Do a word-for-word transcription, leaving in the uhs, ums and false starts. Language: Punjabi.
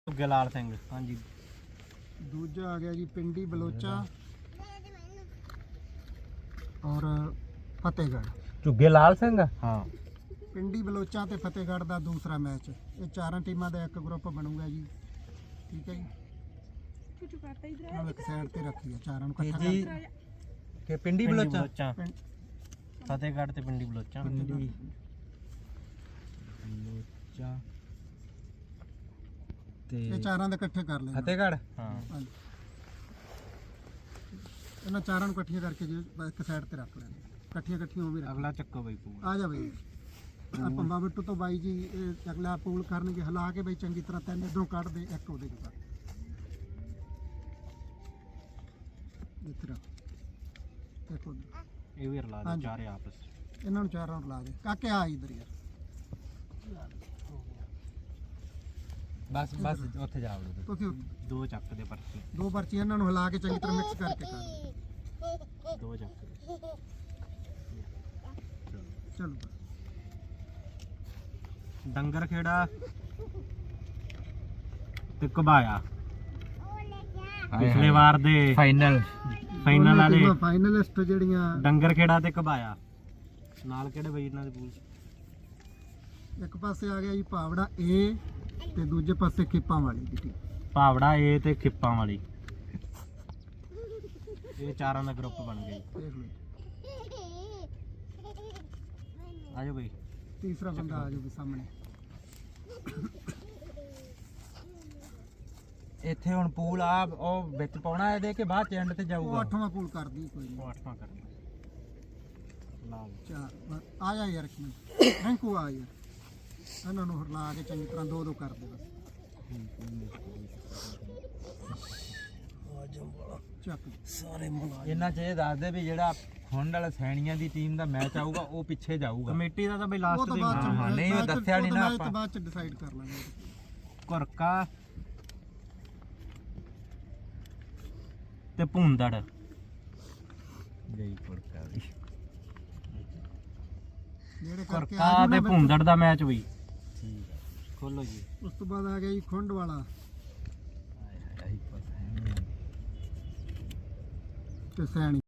ਗੁਲਾਲ ਸਿੰਘ ਹਾਂਜੀ। ਦੂਜਾ ਆ ਗਿਆ ਜੀ ਪਿੰਡੀ ਬਲੋਚਾ ਔਰ ਫਤਿਹਗੜ੍ਹ। ਝੁੱਗੇ ਲਾਲ ਸਿੰਘ ਹਾਂ। ਪਿੰਡੀ ਬਲੋਚਾ ਤੇ ਫਤਿਹਗੜ੍ਹ ਦਾ ਦੂਸਰਾ ਮੈਚ। ਇਹ ਚਾਰਾਂ ਟੀਮਾਂ ਦਾ ਇੱਕ ਗਰੁੱਪ ਬਣੂਗਾ ਜੀ, ਠੀਕ ਹੈ ਜੀ। ਇੱਕ ਸਾਈਡ ਤੇ ਰੱਖੀਏ ਚਾਰਾਂ ਨੂੰ ਇਕੱਠਾ ਜੀ ਕਿ ਪਿੰਡੀ ਬਲੋਚਾ ਪਿੰਡ- ਫਤਿਹਗੜ੍ਹ ਤੇ ਪਿੰਡੀ ਬਲੋਚਾ ਪਿੰਡੀ ਬਲੋਚਾ ਤੇ ਇਹ ਚਾਰਾਂ ਦੇ ਇਕੱਠੇ ਕਰ ਲੈਣਾ। ਫਤਿਹਗੜ੍ਹ ਹਾਂ। ਹਾਂਜੀ। ਇਹਨਾਂ ਚਾਰਾਂ ਨੂੰ ਇਕੱਠੀਆਂ ਕਰਕੇ ਜੀ ਇੱਕ ਸਾਈਡ ਤੇ ਰੱਖ ਲੈਣਾ। ਇਕੱਠੀਆਂ ਇਕੱਠੀਆਂ ਉਹ ਵੀ ਰੱਖ। ਅਗਲਾ ਚੱਕੋ ਬਈ ਪੂਲ ਆ ਜਾ ਬਈ ਆ ਪੰਬਾ ਬਿੱਟੂ ਤੋਂ ਬਾਈ ਜੀ ਇਹ ਅਗਲਾ ਪੂਲ ਕਰਨਗੇ, ਹਿਲਾ ਕੇ ਬਈ ਚੰਗੀ ਤਰ੍ਹਾਂ ਤਿੰਨ ਇਧਰੋਂ ਕੱਢ ਦੇ, ਇੱਕ ਉਹਦੇ ਚੋਂ ਕੱਢ ਇੱਥੇ ਰੱਖ। ਦੇਖੋ ਇਹ ਵੀ ਰਲਾ ਦੇ ਹਾਂਜੀ। ਚਾਰੇ ਆਪਸ ਇਹਨਾਂ ਨੂੰ ਚਾਰਾਂ ਨੂੰ ਲਾ ਦੇ। ਕਾਕੇ ਆ ਇਧਰ ਯਾਰ ਬਸ ਬਸ ਉੱਥੇ ਜਾ ਵੜੋ ਤੁਸੀਂ ਦੋ ਚੱਕ ਦੇ ਪਰਚੀ ਦੋ ਪਰਚੀਆਂ ਇਹਨਾਂ ਨੂੰ ਹਿਲਾ ਕੇ ਚੰਗੀ ਤਰ੍ਹਾਂ ਮਿਕਸ ਕਰਕੇ ਕਰ ਦੇ। ਦੋ ਚੱਕ ਦੇ। ਚਲੋ ਡੰਗਰ ਖੇੜਾ ਤੇ ਘਬਾਇਆ ਪਿਛਲੇ ਵਾਰ ਦੇ ਫਾਈਨਲ ਫਾਈਨਲ ਵਾਲੇ ਫਾਈਨਲਿਸਟ ਜਿਹੜੀਆਂ ਡੰਗਰ ਖੇੜਾ ਤੇ ਘਬਾਇਆ ਨਾਲ ਕਿਹੜੇ ਬਈ ਇਹਨਾਂ ਦੇ ਪੂਲ ਇੱਕ ਪਾਸੇ ਆ ਗਿਆ ਜੀ ਭਾਵੜਾ ਏ ਤੇ ਦੂਜੇ ਪਾਸੇ ਖੇਪਾਂ ਵਾਲੀ ਦੀ ਟੀਮ। ਭਾਵੜਾ ਏ ਤੇ ਖਿੱਪਾਂ ਵਾਲੀ। ਇਹ ਚਾਰਾਂ ਦਾ ਗਰੁੱਪ ਬਣ ਗਿਆ ਜੀ। ਦੇਖ ਲਓ ਆਜੋ ਬਈ ਤੀਸਰਾ ਬੰਦਾ ਆ ਜਾਊਗਾ ਸਾਹਮਣੇ। ਇੱਥੇ ਹੁਣ ਪੂਲ ਆ ਉਹ ਵਿੱਚ ਪਾਉਣਾ ਇਹਦੇ ਕਿ ਬਾਅਦ ਚ ਐਂਡ ਤੇ ਉਹ ਜਾਊਗਾ। ਅੱਠਵਾਂ ਪੂਲ ਕਰਦੀ ਕੋਈ ਨਹੀਂ। ਉਹ ਅੱਠਵਾਂ ਕਰਨਾ ਲਾਲ ਚਾਰ ਆ ਜਾ ਯਾਰ ਕੀ ਥੈਂਕੂ ਆ ਯਾਰ ਇਹਨਾਂ ਨੂੰ ਹਿਲਾ ਕੇ ਚੰਗੀ ਤਰ੍ਹਾਂ ਦੋ ਦੋ ਕਰ ਦੇ ਬਸ। ਚੱਕ ਸਾਰੇ ਮੁਲਾ ਇਹਨਾਂ ਚ ਇਹ ਦੱਸ ਦੇ ਵੀ ਜਿਹੜਾ ਹੁਣ ਵਾਲਾ ਸੈਣੀਆਂ ਦੀ ਟੀਮ ਦਾ ਮੈਚ ਆਊਗਾ ਉਹ ਪਿੱਛੇ ਜਾਊਗਾ। ਕਮੇਟੀ ਦਾ ਤਾਂ ਬਈ ਉਹ ਲਾਸਟ ਤਾਂ ਤੇ ਬਾਅਦ ਚ ਹਾਂ, ਨਹੀਂ, ਉਹ ਬਾਅਦ ਚ- ਦੱਸਿਆ ਨੀ ਉਹ ਨਾ ਤਾਂ ਆਪਾਂ। ਬਾਅਦ ਚ ਡਿਸਾਈਡ ਕਰ ਲਾਂਗੇ। ਘੁਰਕਾ ਤੇ ਭੁੰਦੜ ਗਈ ਪੁਰਕਾ ਵੀ ਜਿਹੜੇ ਕਰਕੇ ਆ ਘੁਰਕਾ ਜਾਊ ਨਾ ਤੇ ਵਿੱਚ। ਭੁੰਦੜ ਦਾ ਮੈਚ ਬਈ ਠੀਕ ਆ। ਖੋਲੋ ਜੀ। ਉਸ ਤੋਂ ਬਾਅਦ ਆ ਗਿਆ ਜੀ ਖੁੰਡ ਵਾਲਾ ਹਾਏ ਹਾਏ ਆਹੀ ਪਤਾ ਹੈ ਤੇ ਸੈਣੀ।